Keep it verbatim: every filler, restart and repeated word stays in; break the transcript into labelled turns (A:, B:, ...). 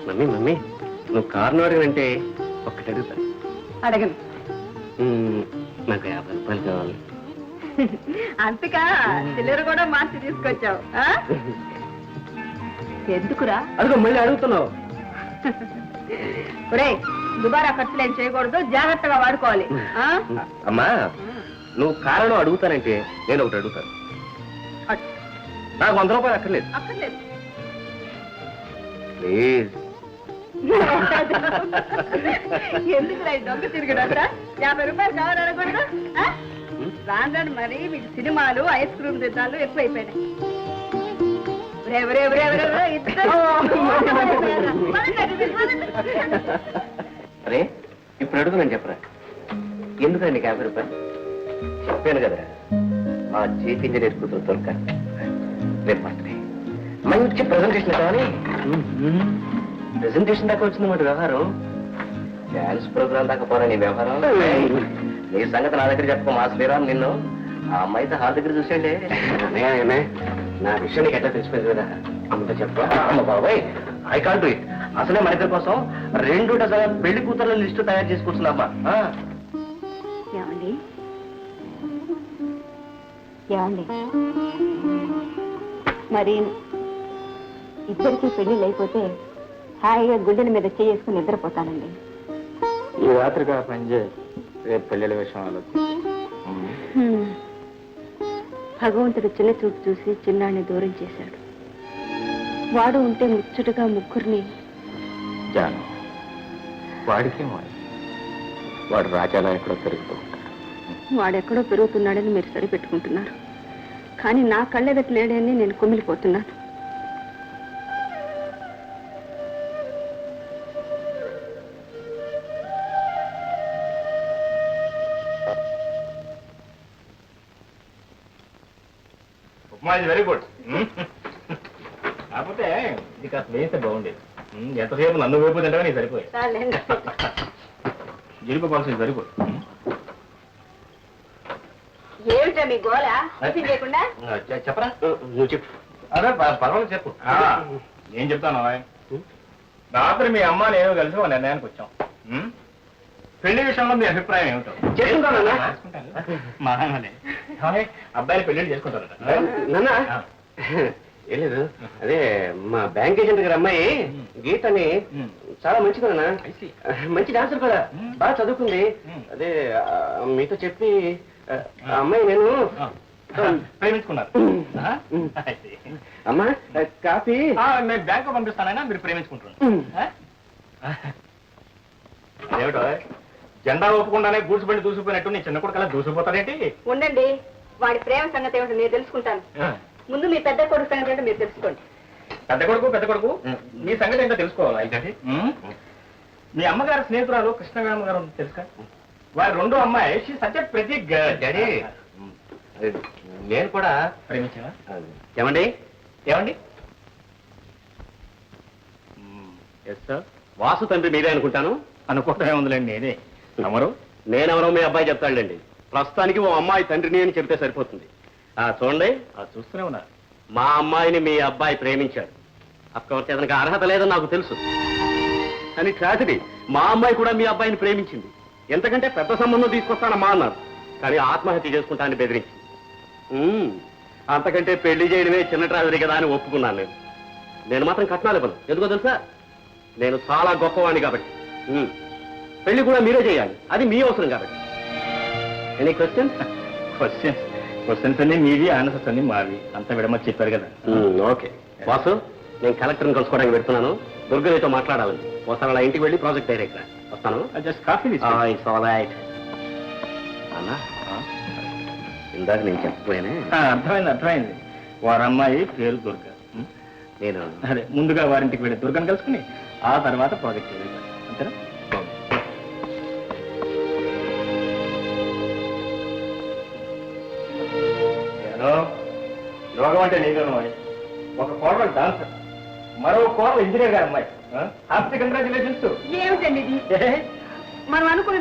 A: Mummy mummy నువ్వు కారును అడిగినంటే ఒక్కటి అడుగుతా.
B: అడగను.
A: నాకు యాభై రూపాయలు కావాలి.
B: అంతకా చిల్లర కూడా మార్చి తీసుకొచ్చావు. ఎందుకురా?
A: అడుగు, మళ్ళీ అడుగుతున్నావు.
B: ఒరే, దుబారా ఖర్చులు ఏం చేయకూడదు, జాగ్రత్తగా వాడుకోవాలి.
A: అమ్మా, నువ్వు కారణం అడుగుతానంటే నేను ఒకటి అడుగుతాను. నాకు వంద రూపాయలు అక్కర్లేదు.
B: అక్కర్లేదు.
A: ప్లీజ్.
B: ఎందుకు రా దొంగ తిరిగినంత? యాభై రూపాయలు కావాలనకూడదు. రాను రాను మరి మీకు సినిమాలు, ఐస్ క్రీమ్ తిన్నాలు ఎక్కువైపోయినాయి.
A: అరే, ఇప్పుడు అడుగునని చెప్పరా, ఎందుకండి యాభై రూపాయలు? చెప్పాను కదరా, మా చీఫ్ ఇంజనీర్ కూతురు దొరక రేపు బర్త్డే, మంచి ప్రజెంటేషన్ కావాలి. ప్రెజెంటేషన్ దాకా వచ్చిందన్నమాట వ్యవహారం. డాన్స్ ప్రోగ్రామ్ దాకా పోరా నీ వ్యవహారం. నీ సంగతి నా దగ్గర చెప్పుకో, మా శ్రీరామ్ నిన్ను ఆ అమ్మాయితో హాల్ దగ్గర చూసేయండి. నా విషయం నీకు ఎట్లా తెలిసిపోయింది కదా, అంత చెప్పా. అమ్మ బాబాయ్, ఐ కాంట్ డూ ఇట్. అసలే మన ఇద్దరి కోసం రెండు డజన్ పెళ్లి కూతుర్ల లిస్టు తయారు చేసుకొచ్చున్నామ్మా.
B: ఏమండి ఏమండి మరి ఇద్దరికి పెళ్లిళ్ళు అయిపోతే హాయిగా గుడ్డల మీద చేసుకుని నిద్రపోతానండి.
C: ఈ రాత్రిగా పనిచేయి, రేపు పెళ్ళిళ్ళ విషయం ఆలోచి.
B: భగవంతుడు చిన్న చూపు చూసి చిన్నాన్ని దూరం చేశాడు. వాడు ఉంటే ముచ్చటగా ముగ్గురిని.
C: జాను, వాడికి వాడు రాజాలా ఎక్కడో పెరుగుతూ ఉంటాడు.
B: వాడెక్కడో పెరుగుతున్నాడని మీరు సరిపెట్టుకుంటున్నారు, కానీ నా కళ్ళెదట లేడని నేను కుమిలిపోతున్నాను.
C: Very good. కాకపోతే ఇది కాస్త వేస్తే బాగుండేది. ఎంతసేపు నన్ను వైపు తింటే నీకు సరిపోయి జీడిపోవాల్సింది సరిపోయి.
B: ఏమిటా మీ గోళ లేకుండా?
A: చెప్పరా, నువ్వు చెప్పు.
C: అదే పర్వాలేదు చెప్పు. ఏం చెప్తాను, రాత్రి మీ అమ్మ నేను కలిసి ఒక నిర్ణయానికి వచ్చాం. పెళ్లి విషయంలో మీ అభిప్రాయం ఏమిటో మహానే అబ్బాయిలు పెళ్లి చేసుకుంటారట.
A: ఏం లేదు, అదే మా బ్యాంక్ ఏజెంట్ గారు అమ్మాయి గీతని చాలా మంచిది నాన్న, మంచి డాన్సర్ కూడా, బాగా చదువుకుంది. అదే మీతో చెప్పి అమ్మాయి నేను
C: ప్రేమించుకున్నారు.
A: అమ్మా కాఫీ
C: నేను బ్యాంకు పంపిస్తానైనా మీరు ప్రేమించుకుంటున్నాను. అదేమిటో జెండా ఒప్పుకుండానే గూడ్చుబండి దూసిపోయినట్టు నీ చిన్న కొడుకు అలా దూసిపోతాడేంటి?
B: ఉండండి, వాడి ప్రేమ సంగతి ఏమిటో నేను తెలుసుకుంటాను. ముందు మీ పెద్ద కొడుకు సంగతి ఏంటో మీరు తెలుసుకోండి.
C: పెద్ద కొడుకు పెద్ద కొడుకు మీ సంగతి ఏంటో తెలుసుకోవాలి. అయితే మీ అమ్మగారు స్నేహితురాలు కృష్ణవేమ గారు తెలుసా? వారి రెండో అమ్మాయి షీ సచ్ ఎ ప్రతి
A: డాడీ. నేను కూడా
C: ప్రేమించావా?
A: ఏమండి
C: ఏమండి
A: ఎస్ సార్, వాసు తండ్రి మీరే అనుకుంటాను.
C: అనుకోవటం ఏముందిలేండి, నేనే. అమరు
A: నేనెవరో మీ అబ్బాయి చెప్తాడులేండి. ప్రస్తుతానికి ఓ అమ్మాయి తండ్రిని అని చెప్తే సరిపోతుంది. చూడండి,
C: చూస్తూనే ఉన్నా,
A: మా అమ్మాయిని మీ అబ్బాయి ప్రేమించాడు. అఫ్కోర్స్ అతనికి అర్హత లేదని నాకు తెలుసు, కానీ ట్రాజడీ మా అమ్మాయి కూడా మీ అబ్బాయిని ప్రేమించింది. ఎంతకంటే పెద్ద సంబంధం తీసుకొస్తానమ్మా అన్నారు, కానీ ఆత్మహత్య చేసుకుంటానని బెదిరించింది. అంతకంటే పెళ్లి చేయడమే చిన్న ట్రాజడీ కదా అని ఒప్పుకున్నాను. నేను నేను మాత్రం కట్నాలు ఇవ్వను. ఎందుకో తెలుసా, నేను చాలా గొప్పవాణ్ణి కాబట్టి. పెళ్లి కూడా మీరే చేయాలి, అది మీ అవసరం కాబట్టి. Any questions?
C: క్వశ్చన్స్ క్వశ్చన్స్ అన్ని మీవి, ఆన్సర్స్ అన్ని మావి. అంతా విడమని చెప్పారు కదా.
A: ఓకే వాసు, నేను కలెక్టర్ని కలుసుకోవడానికి పెడుతున్నాను. దుర్గతో మాట్లాడాలని. ఒకసారి అలా ఇంటికి వెళ్ళి ప్రాజెక్ట్ డైరెక్టర్ వస్తాను.
C: Just coffee
A: it's all right. అన్నా, ఇందాక నేను చెప్పపోయానే.
C: అర్థమైంది అర్థమైంది. వారి అమ్మాయి పేరు దుర్గ.
A: నేను
C: అదే ముందుగా వారింటికి వెళ్ళి దుర్గను కలుసుకుని ఆ తర్వాత ప్రాజెక్ట్ వెళ్ళాను. అంతేనా? యోగం అంటే నీకు ఒక కోడలు డాన్సర్, మరో కోడలు ఇంజనీర్ గారు అమ్మాయి. Happy congratulations.
B: ఏమిటండి ఇది? మనం అనుకున్న